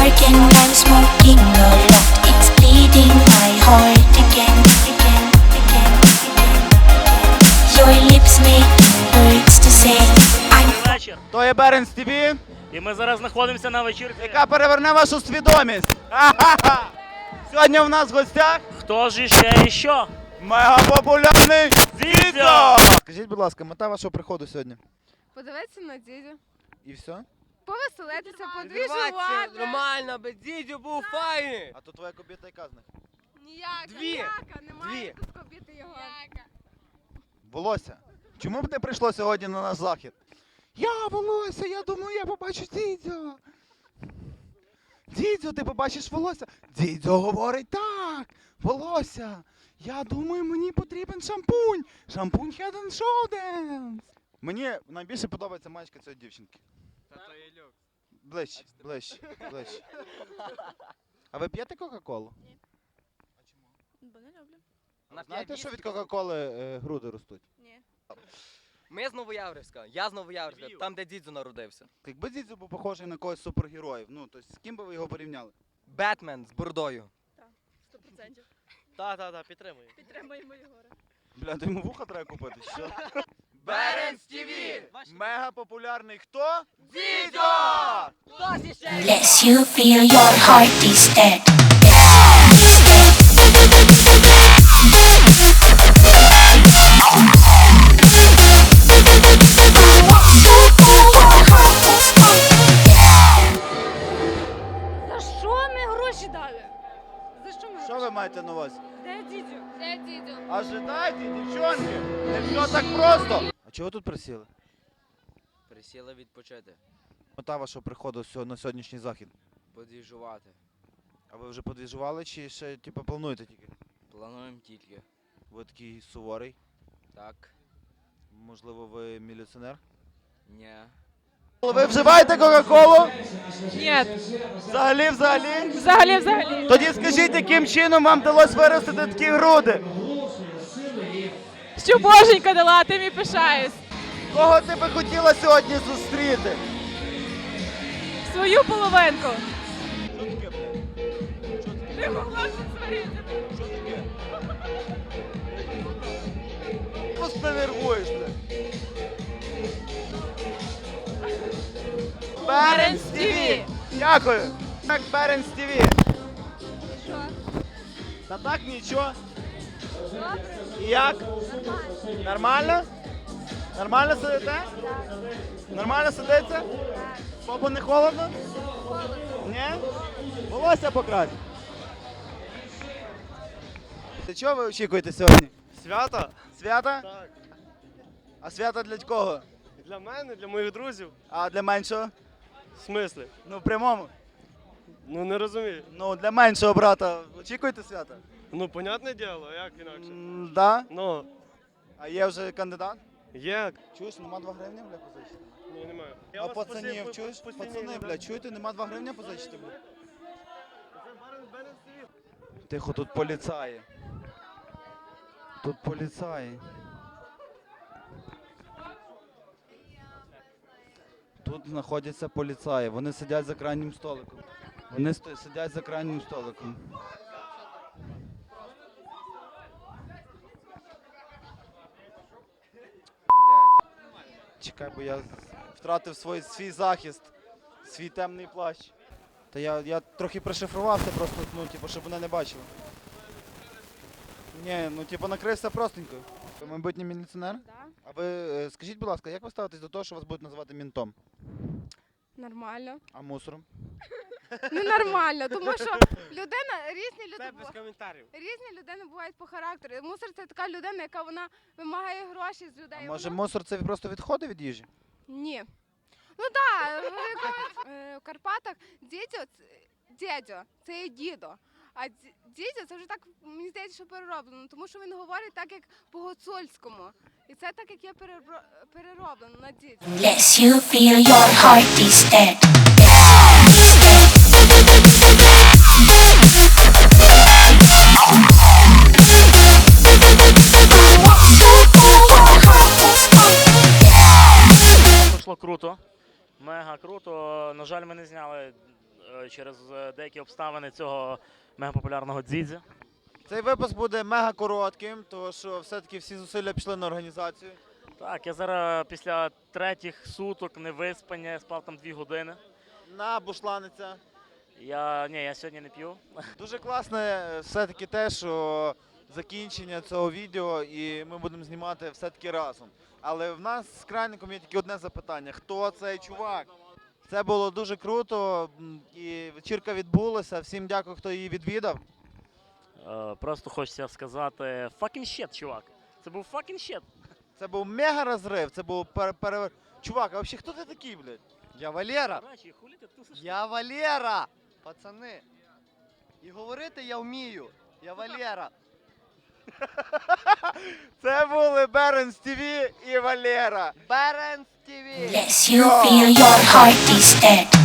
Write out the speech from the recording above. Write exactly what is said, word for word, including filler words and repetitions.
bargain while smoking a lot. It's bleeding my heart again, again, again, again, again. Your lips make it hurts to say I'm Вечір. То є Беренс ТВ, І ми зараз знаходимося на вечірці. яка переверне вашу свідомість. Ха-ха-ха! Сьогодні в нас в гостях Хто ж іще і що? мегапопулярний Дідьо! Скажіть, будь ласка, мета вашого приходу сьогодні? Подивитися на дідю, І все? повеселитися, Відриватися подвіжувати. нормально, аби дідю був файний. А то твоя кобіта яка з них? Ніяка, Дві. ніяка, немає Дві. тут кобіти його. Волосся. Чому б не прийшло сьогодні на наш захід? Я волосся, я думаю, я побачу дідьо. Дідьо, ти побачиш волосся? Дідьо говорить так, волосся. Я думаю, мені потрібен шампунь. Шампунь Head and Shoulders. Мені найбільше подобається маєчка цієї дівчинки. Та то є люкс. Ближче, ближче, ближче. А ви п'єте Кока-Колу? Бо не люблю. Знаєте, що від Кока-Коли е, груди ростуть? Ні. Ми з Новояврівська, я з Новояврівська, там де дідзю народився. Якби дідзю був похожий на когось з супергероїв, ну, то з ким би ви його порівняли? Бетмен з бородою. Сто процентів. Так, так, так, підтримую. Підтримуємо Єгора. Бля, то йому вуха треба купити, що? Беренс ТВ! Мега популярний хто? Дідьо! Bless you, feel your heart is dead. За що ми гроші дали? За що ми Що ви маєте на увазі? Де дідю? Де дідю? Ожидайте, дівчонки! Не все так просто! А чого ви тут присіли? Присіли відпочити, Мета вашого приходу сьо- на сьогоднішній захід. подвіжувати. А ви вже подвіжували чи ще типу, плануєте тільки? Плануємо тільки. Ви такий суворий. Так, Можливо, ви міліціонер? ні. Ви вживаєте Кока-Колу? Ні. Взагалі, взагалі? Взагалі, взагалі. Тоді скажіть, яким чином вам вдалося виростити такі груди? Що боженька дала, тим і пишаюсь. Кого ти би хотіла сьогодні зустріти? Свою половинку. Що таке, блядь? Ти могла тут сварити. Що таке? Просто ти нервуєш, блядь. Беренс ТВ! Дякую! Так, Беренс ТВ! Що? Та так нічого. І як? Нормально? Нормально сидите? Нормально сидиться? Попу не холодно? Ні? Волосся покрась. Чого ви очікуєте сьогодні? Свята? Свята? Так. А свята для кого? Для мене, для моїх друзів. А для меншого? В смислі? Ну, в прямому. Ну не розумію. Ну, для меншого брата очікуєте свята? Ну, понятне діло, а як інакше? М, Да. Ну, А є вже кандидат? є. Чуєш, нема два гривні, бля, позичити? Ні, немає. А пацанів, чуєш? Пацани, бля, чуєте, нема два гривні позичити, бля? Тихо, тут поліцаї. Тут поліцаї. Тут знаходяться поліцаї. Вони сидять за крайнім столиком. Вони сто- сидять за крайнім столиком. Блядь. Чекай, бо я втратив свій, свій захист, свій темний плащ. Та я, я трохи пришифрувався просто, ну, типу, щоб вони не бачили. Ні, ну типу накрився простенько. Ви майбутній міліціонер? Да. А ви е, скажіть, будь ласка, як ви ставитесь до того, що вас будуть називати мінтом? Нормально. А мусором? Ненормально, тому що людина, різні люди бу- коментарів. різні людини бувають по характеру. Мусор це така людина, яка вона вимагає гроші з людей. А може Вона- мусор це просто відходи від їжі? Ні. Ну так, в Карпатах дідьо, ц- дідьо, це є дідо. А ді- дідьо це вже так, мені здається, що перероблено, тому що він говорить так, як по-гуцульському. І це так, як є перебро- перероблено на дідьо. Bless you, feel your heart is dead. Пройшло круто. Мега круто. На жаль, ми не зняли е, через е, деякі обставини цього мегапопулярного дзідзя. Цей випуск буде мега коротким, тому що все-таки всі зусилля пішли на організацію. Так, я зараз після третіх суток невиспання спав там дві години. На бушланиця. Я ні, я сьогодні не п'ю. Дуже класне все-таки те, що закінчення цього відео і ми будемо знімати все-таки разом. Але в нас з Крайником є тільки одне запитання. Хто цей чувак? Це було дуже круто м, і вечірка відбулася. Всім дякую, хто її відвідав. Е, Просто хочеться сказати fucking shit, чувак. Це був fucking shit. Це був мега розрив, це був пере... пере... Чувак, а взагалі хто ти такий, блядь? Я Валера. До речі, хулі ти тусиш? Я Валера. Пацани. І говорити я вмію. Я Валера. Це були Беренс ТВ і Валера. Беренс ТВ. Yes, you feel your heart is dead.